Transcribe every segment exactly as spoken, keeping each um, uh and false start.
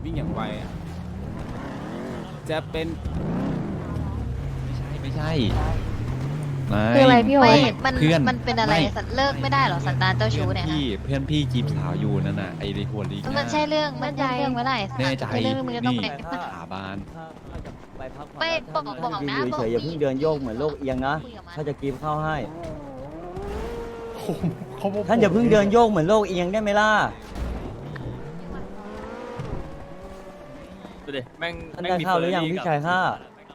วิ่งอย่างไวอะจะเป็นไม่ใช่ไม่คืออะไรพี่โอ๊ไม่ตมันเพื่อนมันเป็นอะไรไม่สัตว์เลิกไม่ได้เหรอสันดานเจ้าชู้เนี่ยพี่เพื่อนพี่จีบสาวอยู่นั่นน่ะไอ้หัวลิงมันใช่เรื่องมันใช่เรื่องไม่ได้สัตว์แน่ใจไม่ใช่เรื่องมึงจะต้องนี่ไปสาบานไม่บอกบอกนะยืนบอกเฉยๆอย่าเพิ่งเดินโยกเหมือนโลกเอียงนะคุยกับมันถ้าจะกรีบเข้าให้เขาบอกท่านอย่าเพิ่งเดินโยกเหมือนโลกเอียงได้ไหมล่ะดูดิแม่งท่านแม่ได้มีเข้าหรือยังฟพี่กับชายข้า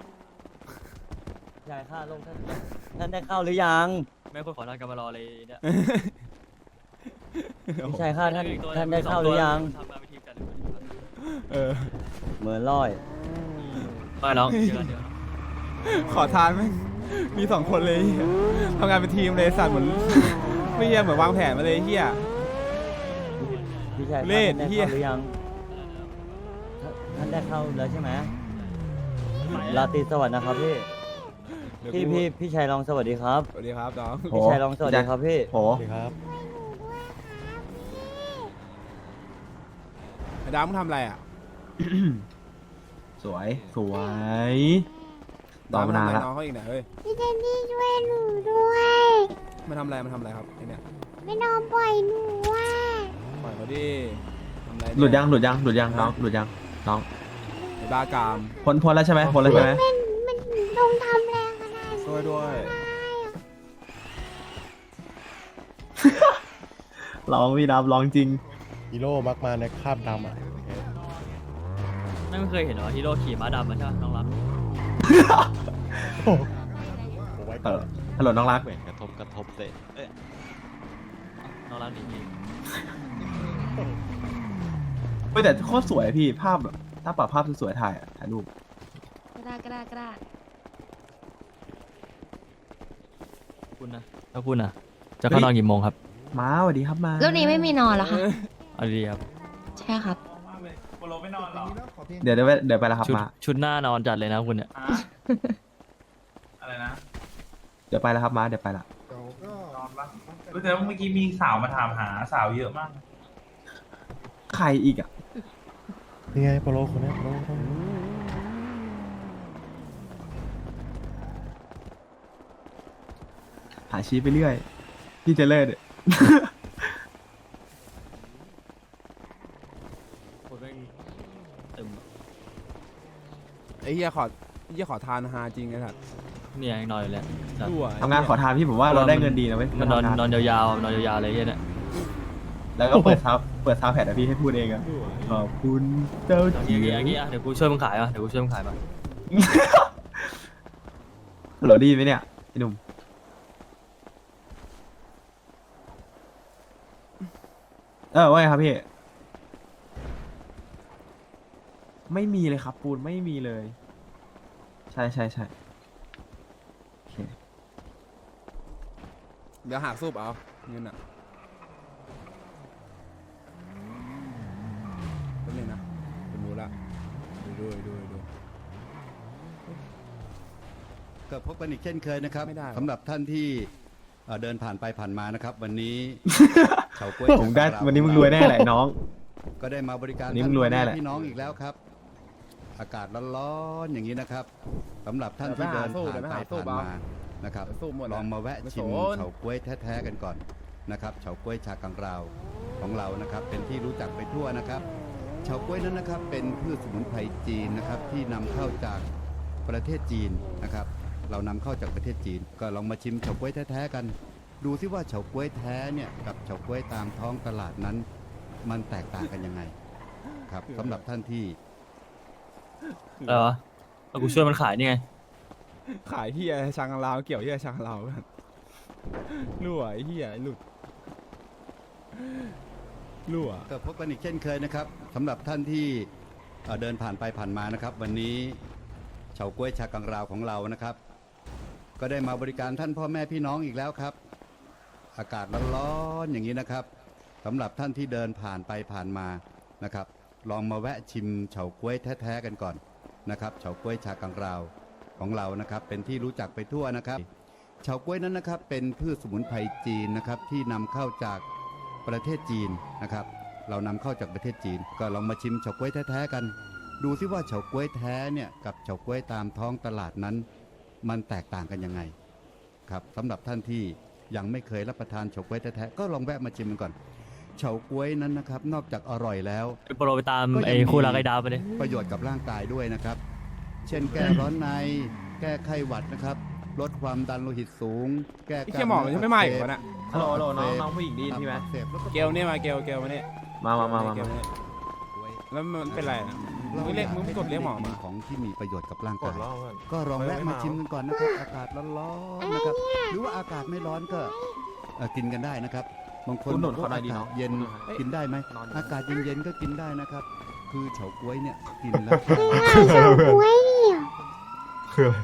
ชายข้าโลกท่านท่านได้เข้าหรือยังแม่งคนขอทานกันมารอเลยเนี่ยพี่ชายข้าท่านอีกตัวท่านได้มีสอเข้าหรือยังทำงานเป็นทีมกันเออเหมือนลอยมาน้องเจอกันเดี๋ยวขอทานไหมมีสองคนเลยเหี้ยทำงานเป็นทีมเลยสัตว์เหมือนไม่เฮียเหมือนวางแผนมาเลยเฮียพี่ชายเลข้าศท่านได้เหี้ยเข้าหรือยังท่านได้เข้าแล้วใช่ไหมราตรีสวัสดิ์นะครับพี่เดี๋ยวพี่กูพี่พี่ชายรองสวัสดีครับสวัสดีครับน้องพี่ชายรองสวัสดีครับพี่โหครับไอ้ดาวมึงทำอะไรอ่ะสวยสวยดาวมึงทำอะไรน้องเขาอีกเนี่ยเฮ้ยพี่เจนนี่ช่วยหนูด้วยมันทำอะไรมันทำอะไรครับไอ้เนี่ยไม่นอนปล่อยหนูว่ะปล่อยเขาดิทำอะไรเนี่ยหลุดยังหลุดยังหลุดยังน้องหลุดยังน้องไอ้บ้ากามพ้นพ้นแล้วใช่ไหมพ้นแล้วใช่ไหมมันมันลงทำแรงขนาดนี้ช่วยด้วยร้องพี่นับร้องจริงฮีโร่มักมาในคราบดำอ่ะแม่งไม่เคยเห็นเหรอฮีโร่ขี่ม้าดำมาใช่ไหมน้องรักโอ้ไว้เอก่อนอฮัลโหลน้องรักเหมือนกระทบกระทบเลยเอ้ยน้องรักหนีพี่เฮ้ยแต่โคตรสวยพี่ภาพแบบถ้าปรับภาพสวยๆถ่ายอะถ่ายรูปก็ได้ก็ได้ก็ได้คุณนะแล้วคุณนะจะเข้านอนกี่โมงครับมาสวัสดีครับมาแล้วนี้ไม่มีนอนเหรอคะเอาดีๆครับใช่ครับเดี๋ยวเดี๋ยวไปเดี๋ยวไปแล้วครับชุดมาชุดหน้านอนจัดเลยนะคุณเนี่ยอะไรนะเดี๋ยวไปแล้วครับมาเดี๋ยวไปละนอนปะแต่ว่าเมื่อกี้มีสาวมาถามหาสาวเยอะมากใครอีกอ่ะนี่ไงโปโลคนนี้โปโลคนนี้หาชี้ไปเรื่อยพี่จะเลิศคุณแม่งตึมไอ้เฮียขอไอ้เฮียขอทานฮาจริงไอ้สัตว์เนี่ยยังนอนอยู่เลยสัตว์รั่วทำงานขอทานพี่ผมว่าเราได้เงินดีนะเว้ยมันนอนทำงานนอนยาวๆนอนยาวๆเลยเนี่ยแล้วก็เปิดซับเปิดซับแผ่นนะพี่ให้พูดเองอะขอบคุณเจ้าเอาจีงี้เอางี้เอางี้เดี๋ยวกูช่วยมึงขายมาเดี๋ยวกูช่วยมึงขายมาฮัลโหลไดีไหมเนี่ยไอ้หนุ่มเออว่าไงครับพี่ ไม่มีเลยครับปูนไม่มีเลย ใช่ใช่ใช่โอเคเดี๋ยวหักซูบเอาเงินอ่ะเป็นเลยนะเป็นมูละดูดูดูดูก็พบกันอีกเช่นเคยนะครับไม่ได้หรอสำหรับท่านที่เอ่อเดินผ่านไปผ่านมานะครับ วันนี้ เฉาก๊วยผมได้จากวันนี้มึงรวยแน่แหละน้องก็ได้มาบริการวันนี้มึงรวยแน่แหละพี่น้องอีกแล้วครับ อากาศร้อนๆอย่างนี้นะครับสำหรับท่านที่เดินผ่านไปผ่านมานะครับสู้หมดลองมาแวะไม่ชิมสนเฉาก๊วยแท้ๆกันก่อนนะครับเฉาก๊วยชากังราวของเรานะครับ เป็นที่รู้จักไปทั่วนะครับเฉาก๊วยนั้นนะครับ เป็นพืชสมุนไพรจีนนะครับที่นำเข้าจากประเทศจีนนะครับ เรานำเข้าจากประเทศจีน ก็ลองมาชิมเฉาก๊วยแท้ๆกัน ดูซิว่าเฉาก๊วยแท้เนี่ยกับเฉาก๊วยตามท้องตลาดนั้น มันแตกต่างกันยังไงครับสำหรับท่านที่อะไรวะเอากูช่วยมันขายนี่ไงขายเฮียชังลาวเกี่ยวเฮียชังลาวกันรั่วไอ้เฮียหลุดรั่วก็พบกันอีกเช่นเคยนะครับสำหรับท่านที่เอ่อเดินผ่านไปผ่านมานะครับ วันนี้เฉาก๊วยชากังราวของเรานะครับ ก็ได้มาบริการท่านพ่อแม่พี่น้องอีกแล้วครับ อากาศร้อนๆอย่างนี้นะครับสำหรับท่านที่เดินผ่านไปผ่านมานะครับ ลองมาแวะชิมเฉาก๊วยแท้ๆกันก่อนนะครับเฉาก๊วยชากังราวของเรานะครับ เป็นที่รู้จักไปทั่วนะครับเฉาก๊วยนั้นนะครับ เป็นพืชสมุนไพรจีนนะครับที่นำเข้าจากประเทศจีนนะครับเรานำเข้าจากประเทศจีน ก็ลองมาชิมเฉาก๊วยแท้ๆกัน ดูซิว่าเฉาก๊วยแท้เนี่ยกับเฉาก๊วยตามท้องตลาดนั้น มันแตกต่างกันยังไงครับสำหรับท่านที่ยังไม่เคยรับประทานเฉาก๊วยแท้ๆก็ลองแวะมาชิมมันก่อนเฉาก๊วยนั้นนะครับนอกจากอร่อยแล้วโปรไปตามก็ยังไอ้มีคู่รักไอ้ดาวไปเลยประโยชน์กับร่างกายด้วยนะครับ เช่นแก้ร้อนใน แก้ไข้หวัดนะครับ ลดความดันโลหิตสูง แก้ไอ้เคียหมอมันยังไม่มาอีกวะน่ะฮัลโหลฮัลโหลน้องน้องผู้หญิงได้ยินพี่ไหมอักเสบแล้วก็เกลเนี่ยมาเกลเกลมาเนี่ยมามามามาเกลมาเนี่ยแล้วมันเป็นไรนะมึงเรียกมึงกดเรียกหมอมาของที่มีประโยชน์กับร่างกกาดยรอบก่อนก็ลองแวะมาชิมกันก่อนนะครับ อากาศร้อนๆนะครับ หรือว่าอากาศไม่ร้อนก็เอ่อกินกันได้นะครับ บางคนคุณหนุนบอกว่าเขาหน่อยอาดีกาเนาะศเย็นเฮ้ยกินได้ไหมนอนอยู่อากาศเย็นๆก็กินได้นะครับ คือเฉาก๊วยเนี่ยกินแล้วง่ายเฉาก๊วยเนี่ยคืออะไร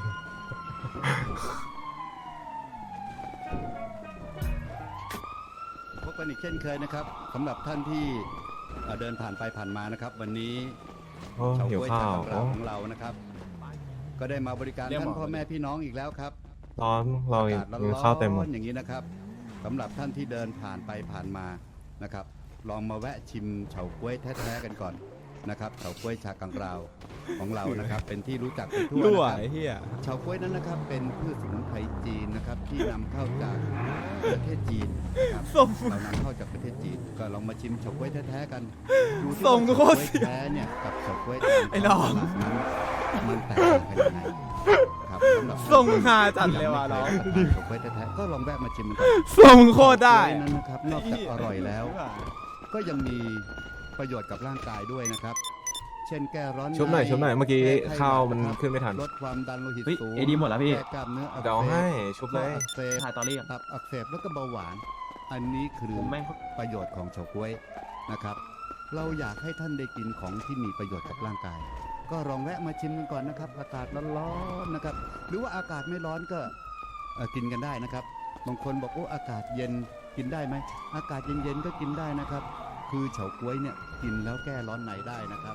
พบกันอีกเช่นเคยนะครับสำหรับท่านที่เอ่อเดินผ่านไปผ่านมานะครับ วันนี้โอ้เฉาหิวก๊วยข้าชาว กังราวของเรานะครับ ก็ได้มาบริการเรียกท่าหมนอพ่อแม่พี่น้องอีกแล้วครับร้อนเราอาอีกาก ศร้กินข้าวเต็มหมอดนๆอย่างนี้นะครับสำหรับท่านที่เดินผ่านไปผ่านมานะครับ ลองมาแวะชิมเฉาก๊วยแท้ๆกันก่อนนะครับเฉาก๊วยชากังราวของเรานะครับ เป็นที่รู้จักกันทั่วรั่วนะครับไอ้เหี้ยเฉาก๊วยนั้นนะครับเป็นพืชสมุนไพรจีนนะครับที่นำเข้าจากประเทศจีนนะครับส่งเรานำเข้าจากประเทศจีน ก็ลองมาชิมเฉาก๊วยแท้ๆกันดูที่ส่งว่าโคเฉาตรก๊วยเสียแท้เนี่ยกับเฉาก๊วยตามไอ้น้องตลาดนั้นมันแตกต่างกันยังไงครับสำหรับส่งหาจัดเลยว่ะน้องที่ยังไม่เคยรับประทานเฉาก๊วยแท้ๆก็ลองแวะมาชิมกันก่อนส่งโคตรได้เฉาก๊วยนั้นนะครับนอกจากอร่อยแล้ว ก็ยังมีประโยชน์กับร่างกายด้วยนะครับ เช่นแก้ร้อนในชุบหน่อยชุบหน่อยเมื่อกี้แไข้ข้าวหดมันครับขึ้นไม่ทันลดความดันโลหิตเฮ้ยสูงเอดีหมดแล้วพี่แก้กล้ามเนื้ออักเดี๋ยวเสให้บชุบเลยอักเสบถ่ายตอรี่ก่อนตับอักเสบแล้วก็เบาหวาน อันนี้คือผมแม่งประโยชน์ของเฉาก๊วยนะครับ เราอยากให้ท่านได้กินของที่มีประโยชน์กับร่างกาย ก็ลองแวะมาชิมกันก่อนนะครับ อากาศร้อนๆนะครับ หรือว่าอากาศไม่ร้อนก็เอ่อกินกันได้นะครับ บางคนบอกโอ้อากาศเย็นกินได้ไหมอากาศเย็นๆก็กินได้นะครับ คือเฉาก๊วยเนี่ยกินแล้วแก้ร้อนในได้นะครับ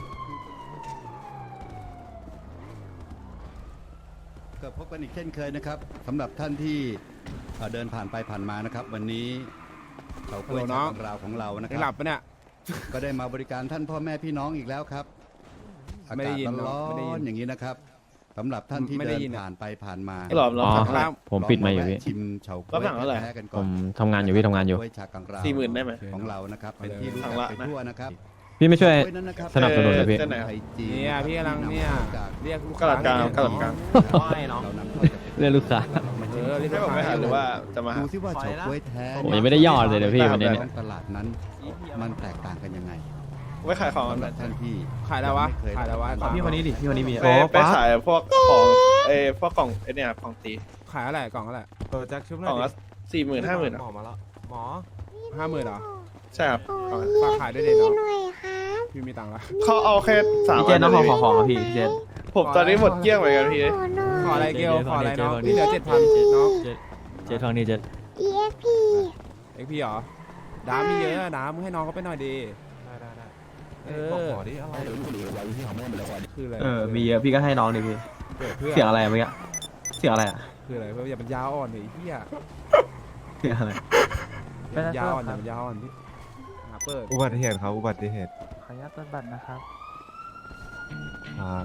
ก็พบกันอีกเช่นเคยนะครับสำหรับท่านที่เอ่อเดินผ่านไปผ่านมานะครับ วันนี้เฉาก๊วยฮัลโหลน้ชาองกังราวของเรานะคยังหลัรับบ ปะเนี่ยก็ได้มาบริการท่านพ่อแม่พี่น้องอีกแล้วครับอาไม่ได้กาศยินร้อไม่ได้ยินนๆอย่างนี้นะครับสำหรับท่านที่ไม่ได้เดินยินอะผ่านไปผ่านมาหลอมหลอมอ๋อครับผมปิดไมค์อยู่พี่ลงแวะชิมเฉาก๊วยรับหลังเท่าไหร่แท้ๆกันผก่อนมทำงานอยู่พี่ทำงานอยู่ก๊วยชากังราวสี่หมื่นได้ไหมของเรานะครับเป็นที่รู้ทาจังกละไปนะทั่วนะครับพี่ไม่ช่วยก๊วยนั้นนะครับสนับสนุนเลยพี่ป็สมุนไพรจีเนี่ยพี่กำลังเนี่ยจากเรียกลูกกระดาษกลางกระดาษกลางไม่เนาะเรานำเข้าจากเรียกลูกค้าเออเรียกให้ผมไปหาหรือว่าจะมาหาดูซิว่าเฉาก๊วยแท้ผมยังไม่ได้ยอดเลยเดี๋ยวพี่วันนี้ท้องตลาดนั้นมันแตกต่างกันยังไงไว้ขายของกันสำหแบรับบ ท่านที่ขายแล้ววะไม่เคขายแล้ววะรับประทพี่คนนี้ดิพี่คนนี้มีไปโอ้ไปป้าขายพวกของเอ้พวกกล่องไอ้เนี่ยครับของตีขายอะไรกล่องอะไรเออแจ็คชุบหกน่ล่อองยละสี่หมื่นห้าหมื่นหมอมาแล้วหมอห้าหมื่นเหรอใช่ครับกล่องละฝากขายด้วยเด็กพี่เนาะหน่อยครับพี่มีตังค์ละเขาเอาแค่สามพี่เจนน้องขอขอของอะพี่พี่เจนผมตอนนี้หมดเกลี้ยงเหมือนกันพี่หนูหน่ขออยอะไรเกลขออะไรน้องเจ๊นี่เหลือเจ็ดพันน้องเจเจฟังนี่เจเอ็กพีเอ็กพี่เหรอดามีเยอะดามึงให้น้องเขาไปหน่อยดีได้ได้ได้เอบอกอหมอดิอะไรคืออะไรเออมีเยอะพี่ก็ให้น้องดิพี่เกิดเพื่อเสียงอะไรอะเมื่อกี้เสียงอะไรอะคืออะไรเพื่ออย่าเป็นยาอ่อนเลยไอ้เหี้ยเสียงอะไรอย่าเป็นยาอ่อนอย่าเป็นยาอ่อนพี่หาเปิดอุบัติเหตุครับอุบัติเหตุขออนุญาตเปิดบัตรนะครับครับ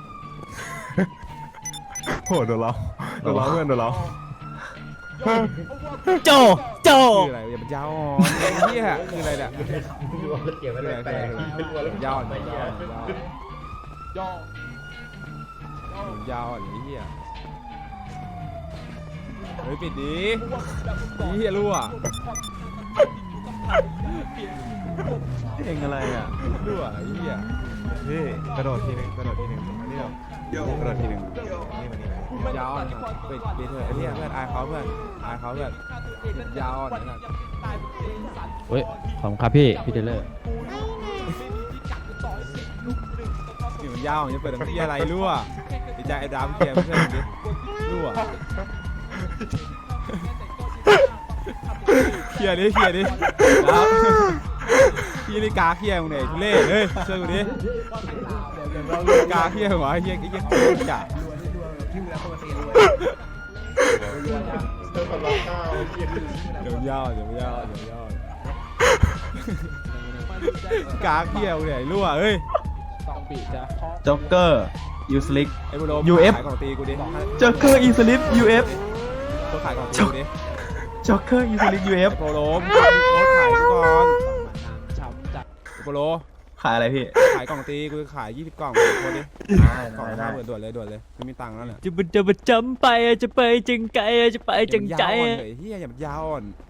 โหโดนเราโดนเราเพื่อนโดนเราโจโจคืออะไรอย่าเป็นยาอ่อนไอ้เหี้ยคืออะไรเนี่ยคืออะไรคืออะไรคืออะไรยาอ่อนยาอ่อนยาอ่อนยาอ่อนไอ้เหี้ยเฮ้ยปิดดิไอ้เหี้ยรั่วเองอะไรอ่ะรั่วไอ้เหี้ยพี่กระโดดทีหนึงกระโดดทีหนึงอันนี้เรากระโดดทีหนึงนี่มันนี่มันยาอ่อนครับปิดปิดเถอะไอ้เหี้ยเพื่อนอายเขาเพื่อนอายเขาเพื่อนยาอ่อนนะครับเฮ้ยขอบคุณครับพี่พี่เทเลอร์นี่มันยาวจะเปิดทำที่อะไรรั่วไอ้ใจไอ้ดามเกียร์เพื่อนดิรั่วเคลียร์ดิเคลียร์ดิครับพี่นี่กาเคลียร์มึงเนี่ยทุเล่เฮ้ยช่วยกูดิกาเคลียร์หัวไอ้เหี้ยไอ้เหี้ยจ่าเดี๋ยวยาวเดี๋ยวยาวเดี๋ยวยาวกากเฮียมึงเนี่ยไอ้รั่วเฮ้ยจ็อกเกอร์ยูสลิกไอ้โบโลยู เอฟขายของตีกูดิจ็อกเกอร์อีสลิปยูเอฟตัวขายของตีกูดิจ็อกเกอร์อีสลิปยูเอฟไอ้โบโลมึงขายกูก่อนไอ้โบโลขายอะไรพี่ขายกล่องตีกูขายยี่สิบกล่องโคตรดิกล่องละห้าหมื่นด่วนเลยด่วนเลยไม่มีตังค์แล้วเนี่ยจะมันจะมาจำไปจะไปจังไกจะไปจังใจอย่ามันยาวอ่อนเลยเฮียอย่ามันยาวอ่อน